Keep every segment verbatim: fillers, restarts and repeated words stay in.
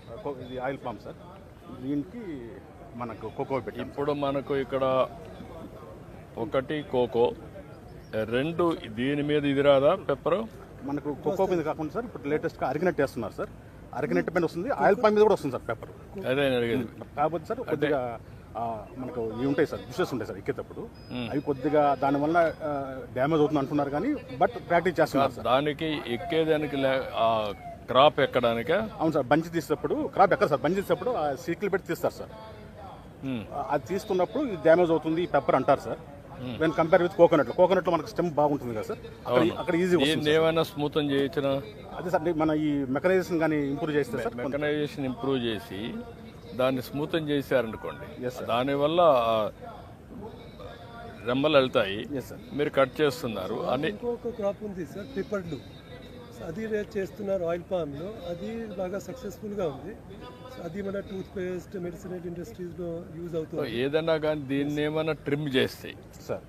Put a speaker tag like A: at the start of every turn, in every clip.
A: ఇది oil palm sir. దీనికి మనకు కోకో పెట్టి
B: ఇప్పుడు మనకు ఇక్కడ ఒకటి కోకో, రెండు దీని మీద ఇది రాదా పెప్పరు?
A: మనకు కోకో మీద కాకుండా సార్ ఇప్పుడు లేటెస్ట్గా అరిగినట్టు వేస్తున్నారు సార్. అరిగినట్టు పైన వస్తుంది, ఆయిల్ పామ్ మీద కూడా వస్తుంది సార్ పెప్పర్.
B: అదే నేను అడిగేది.
A: కాకపోతే సార్ కొద్దిగా మనకు ఇవి ఉంటాయి సార్, బుషెస్ ఉంటాయి సార్ ఎక్కేటప్పుడు, అవి కొద్దిగా దానివల్ల డ్యామేజ్ అవుతుంది అంటున్నారు కానీ బట్ ప్రాక్టీస్ చేస్తున్నారు సార్.
B: దానికి ఎక్కేదానికి క్రాప్ ఎక్కడానిక?
A: అవును సార్, బంచి తీసేటప్పుడు క్రాప్ ఎక్కడ సార్, బంచి తీసేటప్పుడు ఆ సీట్లు పెట్టి తీస్తారు సార్. అది తీస్తున్నప్పుడు ఇది డ్యామేజ్ అవుతుంది ఈ పెప్పర్ అంటారు sir. When compare with coconut, coconut లో మనకు స్టెమ్ బాగుంటుంది కదా సార్, అక్కడ ఈజీ వస్తుంది.
B: ఏమైనా స్మూత్ చేయొచ్చిన?
A: అదే సార్, మన ఈ మెకనైజేషన్ కానీ ఇంప్రూవ్ చేస్తే సార్,
B: మెకనైజేషన్ ఇంప్రూవ్ చేసి దాన్ని స్మూత్ చేశారనుకోండి, దానివల్ల రెమ్మలు వెళ్తాయి, మీరు కట్ చేస్తున్నారు అని.
C: ఇంకొక క్రాప్ ఉంది సార్ పిప్పర్లు, అది రేట్ చేస్తున్నారు ఆయిల్ పామ్ లో, అది బాగా సక్సెస్ఫుల్ గా ఉంది. అది మన టూత్ పేస్ట్ మెడిసినల్ ఇండస్ట్రీస్ లో యూజ్ అవుతుంది.
B: ఏదైనా కానీ దీన్ని ఏమైనా ట్రిమ్ చేస్తే
A: సార్,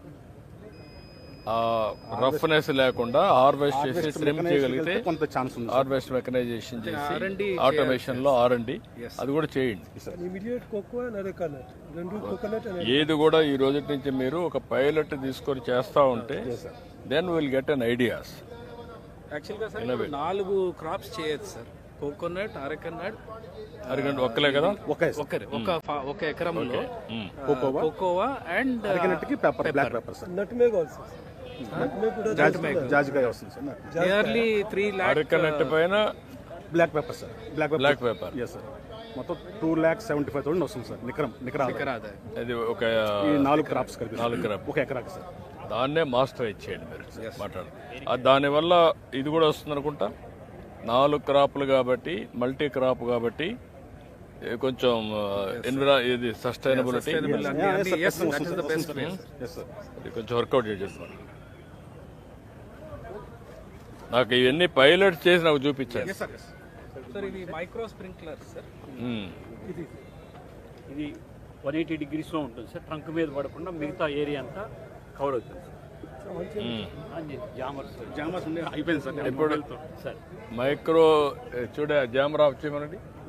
B: రఫ్నెస్ లేకుండా హార్వెస్ట్ చేసి ట్రిమ్ చేయగలిగితే
A: కొంత ఛాన్స్ ఉంది.
B: హార్వెస్ట్ మెకనైజేషన్ చేసి ఆటోమేషన్ లో ఆర్ అండ్ డి అది కూడా చేయండి.
C: ఇమిడియట్ కోకో అండ్ అరెకనట్ రెండు కోకోనట్
B: ఏది కూడా ఈ రోజు నుంచి మీరు ఒక పైలట్ తీసుకొని చేస్తా ఉంటే then will get an ideas.
D: యాక్చువల్గా సార్ నాలుగు క్రాప్స్ చేయొచ్చు సార్, కోకోనట్, అరెకనట్,
B: అరగంట ఒక్కలే కదా,
D: ఒకరి ఒక ఒక ఎకరంలో కోకోవా అండ్
A: అరిగినట్టుకి pepper, black pepper sir,
C: nutmeg also, nutmeg కూడా
A: జాజికాయ వస్తుంది sir.
D: Nearly three lakh
B: arecanut పైన
A: black pepper sir, black
B: black pepper
A: yes sir, మొత్తం two lakh seventy five thousand వస్తుంది సార్ నికరం నికరా.
B: అది ఒక
A: నాలుగు క్రాప్స్ కలిపి
B: నాలుగు క్రాప్
A: ఒక ఎకరాకి సార్.
B: దాన్నే మాస్టర్ ఇచ్చేయండి మీరు మాట్లాడు. దానివల్ల ఇది కూడా వస్తుంది అనుకుంటా, నాలుగు క్రాప్లు కాబట్టి మల్టీ క్రాప్ కాబట్టి కొంచెం ఎన్విరా ఇది సస్టైనబిలిటీ కొంచెం వర్కౌట్ చేసేస్తున్నారు. నాకు ఇవన్నీ పైలట్ చేసి నాకు చూపించాను
D: సార్. ఇది మైక్రో స్ప్రింక్లర్ సార్,
E: ఇది వన్ ఎయిటీ డిగ్రీస్లో ఉంటుంది సార్, ట్రంక్ మీద పడకుండా మిగతా ఏరియా అంతా కవర్ అవుతుంది
A: జామర్స్ అయిపోయింది సార్.
B: ఇప్పుడు మైక్రో చూడ జామర్ ఆఫ్ చేయమనండి.